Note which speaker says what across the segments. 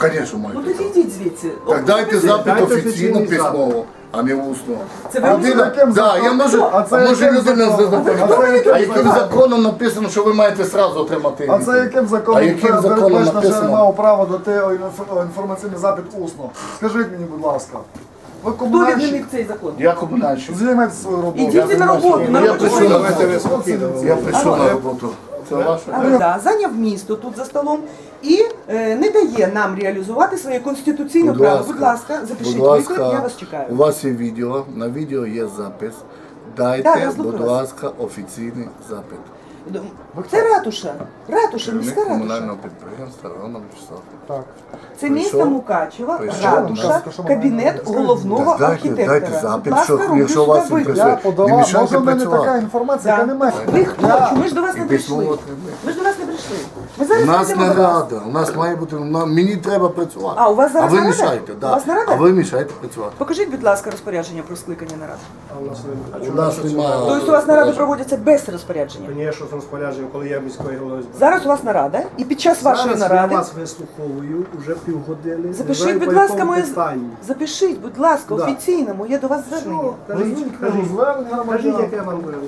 Speaker 1: звісно,
Speaker 2: Ну
Speaker 1: маєте.
Speaker 2: тоді йдіть звідси.
Speaker 1: Так дайте запит
Speaker 3: Дайте
Speaker 1: офіційно
Speaker 3: офіційний
Speaker 1: письмово, а не усно.
Speaker 2: Це ви
Speaker 1: Людина,
Speaker 2: усно?
Speaker 1: да, я можу,
Speaker 4: А це
Speaker 1: а може
Speaker 4: яким
Speaker 1: людина
Speaker 4: законом?
Speaker 1: а яким законом написано, що ви маєте зразу отримати?
Speaker 4: А це яким законом?
Speaker 1: А яким законом
Speaker 4: передбачено, що я не
Speaker 1: написано?
Speaker 4: мав права дати інформаційний запит усно? Скажіть мені, будь ласка. Ви
Speaker 2: Хто
Speaker 4: комунальщик?
Speaker 2: відмінив цей закон?
Speaker 1: Я комунальщик.
Speaker 4: Займайте свою роботу.
Speaker 2: Ідіть на роботу, на
Speaker 1: Я
Speaker 2: роботу.
Speaker 1: прийшов на
Speaker 3: Давайте ви
Speaker 1: роботу.
Speaker 3: спокійно.
Speaker 1: Я прийшов на роботу. Це ваше?
Speaker 2: Да, зайняв місто тут за столом і не дає нам реалізувати своє конституційне право. Будь ласка, запишіть виклик, я вас
Speaker 1: у
Speaker 2: чекаю.
Speaker 1: вас є відео, на відео є запис.
Speaker 2: Так,
Speaker 1: Дайте,
Speaker 2: я слухаю
Speaker 1: будь
Speaker 2: вас.
Speaker 1: ласка, офіційний запит.
Speaker 2: Це ратуша, міська
Speaker 1: Керівник
Speaker 2: ратуша.
Speaker 1: комунального підприємства Роман Вячеслав.
Speaker 4: Так.
Speaker 2: Це місто
Speaker 1: Прийшов.
Speaker 2: Мукачева,
Speaker 1: Прийшов.
Speaker 2: ратуша,
Speaker 4: Що
Speaker 2: кабінет головного
Speaker 1: Дайте
Speaker 2: архітектора.
Speaker 1: запит,
Speaker 2: Будь ласка,
Speaker 1: що,
Speaker 2: руки
Speaker 1: якщо вас
Speaker 2: сюди
Speaker 1: інтересує.
Speaker 4: Я
Speaker 1: Не
Speaker 4: подавав,
Speaker 1: мішайте
Speaker 4: може в мене
Speaker 1: працювати.
Speaker 4: така інформація, яка
Speaker 2: Да.
Speaker 4: не має.
Speaker 2: Ви хто? Чому ж до вас не
Speaker 1: І
Speaker 2: прийшли?
Speaker 1: письмово отримали.
Speaker 2: Ми ж до вас не прийшли. Ми
Speaker 1: У
Speaker 2: зараз
Speaker 1: нас
Speaker 2: прийдемо до вас.
Speaker 1: нарада, у нас має бути, мені треба працювати.
Speaker 2: А, у вас зараз
Speaker 1: ви
Speaker 2: нарада?
Speaker 1: мішаєте,
Speaker 2: У
Speaker 1: да.
Speaker 2: вас нарада?
Speaker 1: А ви мішаєте працювати.
Speaker 2: Покажіть, будь ласка, розпорядження про скликання наради.
Speaker 1: У нас немає.
Speaker 2: Тобто у вас наради проводяться без розпорядження.
Speaker 3: Звісно, з розпорядженням, коли я міської голови збираю.
Speaker 2: Зараз у вас нарада, і під час вашої
Speaker 3: Зараз
Speaker 2: наради
Speaker 3: я вас вислуховую вже півгодини. Не
Speaker 2: запишіть,
Speaker 3: знаю,
Speaker 2: будь
Speaker 3: по
Speaker 2: ласка,
Speaker 3: якому
Speaker 2: моє
Speaker 3: питанню.
Speaker 2: запишіть, будь ласка,
Speaker 3: Да.
Speaker 2: офіційно моє до вас звернення.
Speaker 3: Що? Кажіть,
Speaker 4: Кажу, звернення
Speaker 3: кажіть,
Speaker 4: громадян.
Speaker 3: яке вам говорю.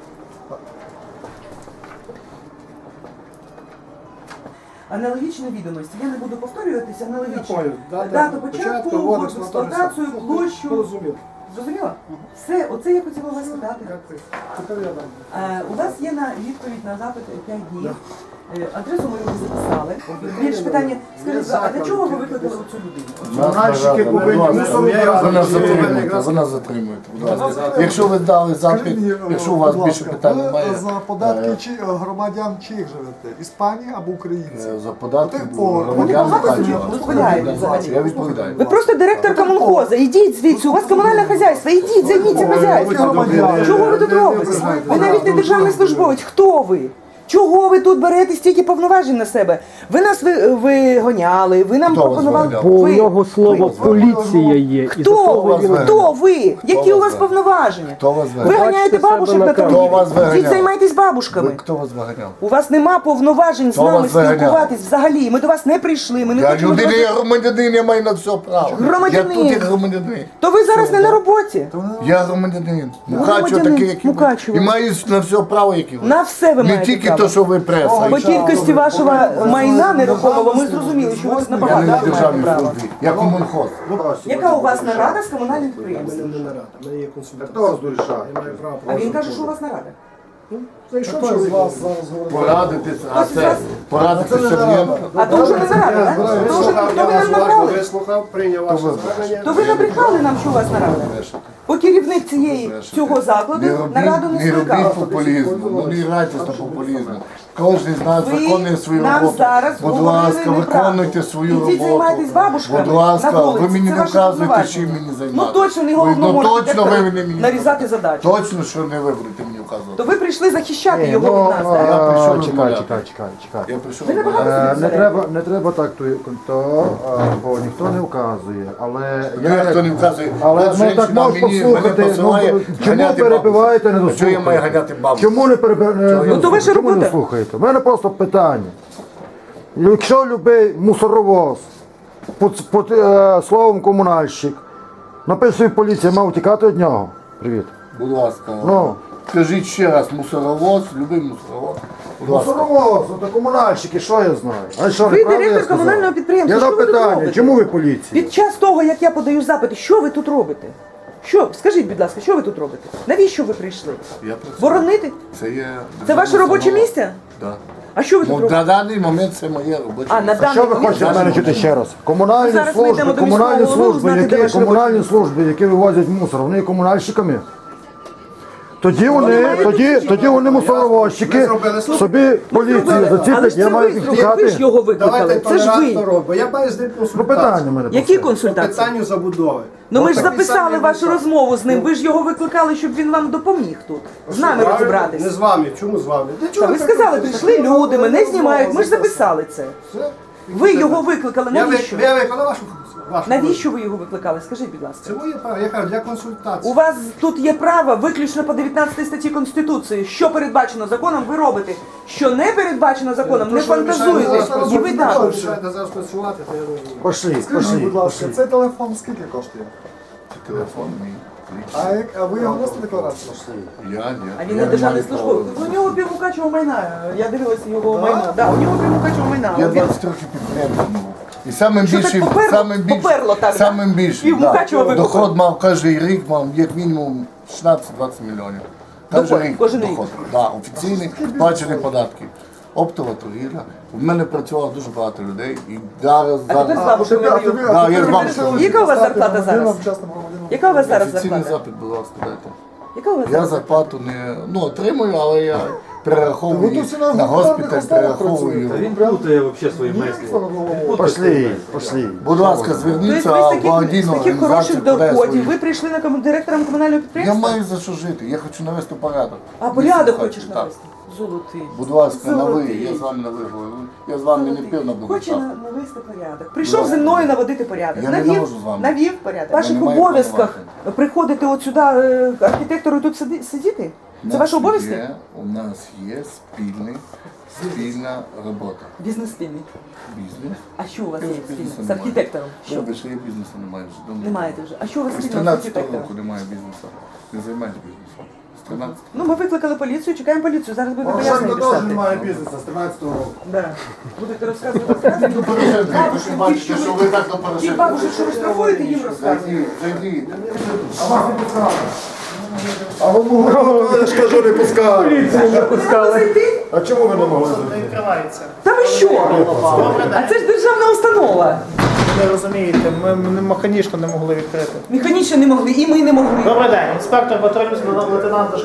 Speaker 2: Аналогічні відомості. Я не буду повторюватися, аналогічно.
Speaker 3: Дата
Speaker 2: Дату початку,
Speaker 3: вводу
Speaker 2: вводу в експлуатацію, площу.
Speaker 3: Порозумів.
Speaker 2: Зрозуміло? Все, оце я хотіла вас питати.
Speaker 3: Дякую. Тепер я дам.
Speaker 2: У вас є на відповідь на запит 5 днів. Адресу ми вже записали. Більше питання, скажіть, а для чого ви викликали цю людину?
Speaker 3: Комунальщики повинні
Speaker 1: Ви нас затримуєте, ви нас затримуєте, будь ласка. Якщо ви дали запит,
Speaker 4: Скажіть мені,
Speaker 1: якщо у вас
Speaker 4: будь
Speaker 1: більше
Speaker 4: ласка,
Speaker 1: питань
Speaker 4: ви
Speaker 1: немає,
Speaker 4: за податки чи громадян чиїх живете? Іспанії або українців?
Speaker 1: за податки
Speaker 4: Вони
Speaker 1: громадян
Speaker 2: багато собі
Speaker 1: Мукачева.
Speaker 2: дозволяють взагалі.
Speaker 1: Я відповідаю.
Speaker 2: Ви просто директорка Мунхоза. Ідіть звідси, у вас комунальне хазяйство. Ідіть, займіться хазяйством. Чого ви тут робите? Ви навіть не державний службовець. Хто ви? Чого ви тут берете стільки повноважень на себе? Ви нас вигоняли, ви нам
Speaker 1: Хто вас
Speaker 2: пропонували.
Speaker 1: вигоняв?
Speaker 5: Бо у
Speaker 2: Ви.
Speaker 5: нього слово поліція є. І за
Speaker 2: Хто
Speaker 5: того
Speaker 2: ви?
Speaker 5: він-
Speaker 2: Хто ви? Які у вас
Speaker 1: вас
Speaker 2: повноваження?
Speaker 1: Хто вас
Speaker 2: Ви
Speaker 1: вигоняв?
Speaker 2: ганяєте
Speaker 5: Бачите
Speaker 2: бабушек
Speaker 5: себе
Speaker 2: на
Speaker 5: на камері.
Speaker 1: Хто вас
Speaker 2: торгівлю.
Speaker 1: виганяв?
Speaker 2: Ідіть займайтесь бабушками.
Speaker 1: Хто вас виганяв?
Speaker 2: У вас нема повноважень з
Speaker 1: Хто
Speaker 2: нами
Speaker 1: вас виганяв?
Speaker 2: спілкуватись взагалі. Ми до вас не прийшли. Ми не
Speaker 1: Я
Speaker 2: хочемо до
Speaker 1: людина,
Speaker 2: вас-
Speaker 1: я громадянин, я маю на все право.
Speaker 2: Громадянин.
Speaker 1: Я тут як громадянин.
Speaker 2: То ви зараз не на роботі.
Speaker 1: Я громадянин. Мукачево
Speaker 2: Громадянин
Speaker 1: такий, як і ви.
Speaker 2: Мукачева.
Speaker 1: І маю на все право, як і ви.
Speaker 2: На все ви
Speaker 1: Не
Speaker 2: маєте
Speaker 1: тільки
Speaker 2: право.
Speaker 1: то, що ви преса.
Speaker 2: По кількості вашого майна нерухомого ми зрозуміли, що у вас
Speaker 1: Я
Speaker 2: набагато
Speaker 1: не в
Speaker 2: маєте
Speaker 1: державній
Speaker 2: право.
Speaker 1: службі, я комунхоз.
Speaker 2: Яка у вас нарада з комунальним
Speaker 3: У мене
Speaker 2: підприємством?
Speaker 3: не нарада, у мене є консультація.
Speaker 4: Хто вас дорішає?
Speaker 3: Я маю право.
Speaker 2: А він каже, що у вас нарада.
Speaker 3: Зайшов
Speaker 4: Хто з
Speaker 3: чоловік.
Speaker 4: вас зараз говорить?
Speaker 1: Порадитись, а
Speaker 2: Хтось із
Speaker 1: це
Speaker 2: вас-
Speaker 1: порадитися мені.
Speaker 2: А то вже не нарада, так? То вже
Speaker 3: Вислухав,
Speaker 2: то
Speaker 3: я
Speaker 2: ви
Speaker 3: вас
Speaker 2: нам
Speaker 3: уважно
Speaker 2: набрали.
Speaker 3: вислухав, прийняв ваше
Speaker 1: ви
Speaker 3: звернення.
Speaker 2: То ви набрехали нам, що у вас нарада. Бо керівник цього закладу нараду не
Speaker 1: Не робіть
Speaker 2: скликав.
Speaker 1: популізму, ну не грайтесь на популізму. Кожен з нас
Speaker 2: Ви
Speaker 1: виконує свою
Speaker 2: нам
Speaker 1: роботу.
Speaker 2: зараз
Speaker 1: Будь
Speaker 2: говорили
Speaker 1: ласка,
Speaker 2: неправду.
Speaker 1: виконуйте свою
Speaker 2: Ідіть
Speaker 1: роботу.
Speaker 2: займайтесь бабушками
Speaker 1: Будь ласка,
Speaker 2: на вулиці.
Speaker 1: ви мені
Speaker 2: Це
Speaker 1: не
Speaker 2: ваше
Speaker 1: вказуєте,
Speaker 2: повноваження.
Speaker 1: чим мені
Speaker 2: Ну
Speaker 1: займатися.
Speaker 2: точно не головному
Speaker 1: Ну точно ви
Speaker 2: архітектору
Speaker 1: не мені.
Speaker 2: нарізати задачу.
Speaker 1: Точно, що не ви будете мені вказувати.
Speaker 2: То ви прийшли захищати його
Speaker 4: ну,
Speaker 2: від нас, так?
Speaker 1: Я прийшов
Speaker 4: Чекай,
Speaker 1: розмовляти.
Speaker 4: чекай.
Speaker 1: Я прийшов
Speaker 2: Ви не
Speaker 1: розмовляти.
Speaker 2: багато собі берете.
Speaker 4: Не треба так, бо ніхто не вказує, але
Speaker 1: Ніхто не вказує.
Speaker 4: Але
Speaker 1: От
Speaker 4: ну
Speaker 1: жінка
Speaker 4: так можеш
Speaker 1: мене
Speaker 4: послухати,
Speaker 1: посилає
Speaker 4: чому
Speaker 1: ганяти
Speaker 4: перебиваєте, не
Speaker 1: бабусю. Чого я маю
Speaker 4: дослухаєте?
Speaker 1: ганяти бабусю?
Speaker 4: Чому не перебиваєте?
Speaker 2: Ну, то ваша
Speaker 4: Чому не
Speaker 2: робота.
Speaker 4: слухаєте? У мене просто питання. Якщо любий мусоровоз під словом комунальщик написує поліція, мав тікати від нього. Привіт.
Speaker 1: Будь ласка.
Speaker 4: Ну.
Speaker 1: Скажіть ще раз, мусоровоз, любий мусоровоз. Будь ласка.
Speaker 4: Мусоровоз, це комунальщики, що я знаю? А що,
Speaker 2: Ви
Speaker 4: неправда я
Speaker 2: директор
Speaker 4: сказав?
Speaker 2: комунального підприємства,
Speaker 4: Я
Speaker 2: що
Speaker 4: дав
Speaker 2: ви тут
Speaker 4: питання,
Speaker 2: робите?
Speaker 4: чому ви поліція?
Speaker 2: Під час того, як я подаю запити, що ви тут робите? Що? Скажіть, будь ласка, що ви тут робите? Навіщо ви прийшли?
Speaker 1: Я працюю.
Speaker 2: Боронити?
Speaker 1: Це є.
Speaker 2: Це ваше робоче місце?
Speaker 1: Так.
Speaker 2: А що ви тут
Speaker 1: Ну,
Speaker 2: робите?
Speaker 1: на даний момент це моє робоче
Speaker 2: А, на
Speaker 1: місце.
Speaker 4: А що ви
Speaker 2: даний
Speaker 4: хочете
Speaker 2: момент-
Speaker 4: від мене чути ще раз? Комунальні
Speaker 2: Зараз ми йдемо
Speaker 4: служби,
Speaker 2: до міського голови узнати, де ваше робоче
Speaker 4: комунальні
Speaker 2: місце.
Speaker 4: служби, які вивозять мусор, вони є комунальщиками. Тоді
Speaker 2: мають
Speaker 4: вони мусоровозчики, собі поліцію
Speaker 2: Але
Speaker 4: заціпить,
Speaker 2: ж
Speaker 4: я
Speaker 2: це
Speaker 4: маю
Speaker 2: ви
Speaker 4: їх
Speaker 2: зробили, ви ж
Speaker 4: тікати.
Speaker 2: його викликали.
Speaker 3: Давайте
Speaker 2: Це ж
Speaker 3: толерантно
Speaker 2: ви.
Speaker 3: робимо. Я маю з ним
Speaker 4: Ну питання
Speaker 3: консультацію.
Speaker 4: мене.
Speaker 2: Які
Speaker 3: По
Speaker 2: консультації?
Speaker 3: питанню забудови.
Speaker 2: Ну ми ж
Speaker 3: От
Speaker 2: записали
Speaker 3: написання
Speaker 2: вашу
Speaker 3: висок.
Speaker 2: розмову з ним. Ви ж його викликали, щоб він вам допоміг тут. З нами
Speaker 3: Правильно?
Speaker 2: розібратись.
Speaker 3: Не з вами. Чому з вами? Для чого
Speaker 2: Та ви
Speaker 3: так
Speaker 2: сказали,
Speaker 3: робите?
Speaker 2: прийшли люди, мене знімають. Ми ж записали це.
Speaker 3: Все.
Speaker 2: Ви його викликали,
Speaker 3: Я
Speaker 2: навіщо?
Speaker 3: виконав вашу функцію. вашу
Speaker 2: Навіщо ви його викликали? Скажіть, будь ласка.
Speaker 3: Це моє право, я кажу, для консультації.
Speaker 2: У вас тут є право виключно по 19 статті Конституції. Що передбачено законом, ви робите. Що не передбачено законом, не фантазуєте. І ви
Speaker 3: так.
Speaker 2: так.
Speaker 3: Мішаєте зараз працювати, то я розумію.
Speaker 4: Пошли,
Speaker 6: Скажіть,
Speaker 4: пошли,
Speaker 6: будь ласка,
Speaker 4: пошли.
Speaker 6: цей телефон скільки коштує?
Speaker 1: Телефон мій.
Speaker 6: А ви його вносите декларацію?
Speaker 1: Я, ні.
Speaker 2: А він не державний службовець. У нього півмукачого майна. Я дивилася його майно. Да, у нього півмукачого майна.
Speaker 1: Я
Speaker 2: Він-
Speaker 1: 20 років підприємцем був. І самим
Speaker 2: Що так
Speaker 1: більшим,
Speaker 2: поперло? Поперло так, да?
Speaker 1: самим більшим,
Speaker 2: Пів Мукачева викупили.
Speaker 1: доход мав кожен рік, мав як мінімум 16-20 мільйонів.
Speaker 2: Доход, кожен рік?
Speaker 1: доход. Да, офіційний, сплачені податки. Оптова торгівля. У мене працювало дуже багато людей. І зараз,
Speaker 2: А тепер слабо, що ми даємо.
Speaker 1: Да, я з вами
Speaker 2: Яка у вас зарплата зараз? Яка у вас зараз
Speaker 1: офіційний
Speaker 2: зарплата?
Speaker 1: запит, будь ласка, дайте.
Speaker 2: Яка у вас
Speaker 1: Я
Speaker 2: зараз?
Speaker 1: зарплату не отримую, але я перераховую
Speaker 6: Ви
Speaker 1: її
Speaker 6: тут всі на
Speaker 1: на госпіталь,
Speaker 6: гуманітарних
Speaker 1: перераховую.
Speaker 6: основах
Speaker 7: Він плутає взагалі свої мислі.
Speaker 4: Пошли, пошли.
Speaker 1: Будь ласка,
Speaker 2: Тобто
Speaker 1: зверніться,
Speaker 2: ви
Speaker 1: а
Speaker 2: з
Speaker 1: благодійну
Speaker 2: таких хороших
Speaker 1: подає
Speaker 2: доходів,
Speaker 1: свої.
Speaker 2: ви прийшли на директором комунального
Speaker 1: Я
Speaker 2: підприємства?
Speaker 1: маю за що жити, я хочу навести порядок.
Speaker 2: А порядок
Speaker 1: Місто
Speaker 2: хочеш
Speaker 1: хочу,
Speaker 2: навести? Золотий.
Speaker 1: Будь ласка, на ви,
Speaker 2: Золотий.
Speaker 1: я з вами на ви говорю. Я з вами не
Speaker 2: Золотий.
Speaker 1: пив на другу
Speaker 2: Хоче
Speaker 1: чашку.
Speaker 2: навести порядок. Прийшов зі мною наводити порядок.
Speaker 1: Я не навожу з вами.
Speaker 2: Навів порядок. В ваших
Speaker 1: не маю
Speaker 2: обов'язках
Speaker 1: повноважень.
Speaker 2: приходити от сюди архітектору і тут сидіти?
Speaker 1: У
Speaker 2: Це
Speaker 1: нас
Speaker 2: ваш обов'язок?
Speaker 1: У нас є спільна робота.
Speaker 2: Бізнес спільний.
Speaker 1: Бізнес.
Speaker 2: А що у вас
Speaker 1: Я
Speaker 2: є
Speaker 1: ж бізнесу
Speaker 2: спільне? З
Speaker 1: не маю.
Speaker 2: архітектором? Що?
Speaker 1: Добре, що я бізнесу не маю вже давно.
Speaker 2: Не маєте вже. А що у вас
Speaker 1: З
Speaker 2: спільного з
Speaker 1: 13
Speaker 2: архітектором?
Speaker 1: року немає бізнесу. Не займаюся бізнесом. З 13.
Speaker 2: Ну, ми викликали поліцію, чекаємо поліцію. Зараз будемо
Speaker 6: Порошенко
Speaker 2: пояснення
Speaker 6: теж
Speaker 2: писати.
Speaker 6: немає бізнесу з 13-го року.
Speaker 2: Да. Будете розказувати.
Speaker 1: Бабушки, бачите, що ви так до
Speaker 2: Ті
Speaker 1: Порошенка.
Speaker 2: бабушек, що ви штрафуєте, їм розказуєте.
Speaker 1: Зайдіть.
Speaker 6: А вас не пускали. А ви могли, я ж кажу, не пускали. А чому ви не могли зайти?
Speaker 2: Та ви що? А це ж державна установа.
Speaker 8: Ви розумієте, ми механічно не могли відкрити.
Speaker 2: Механічно не могли, і ми не могли.
Speaker 8: Добрий день, інспектор патрульної лейтенант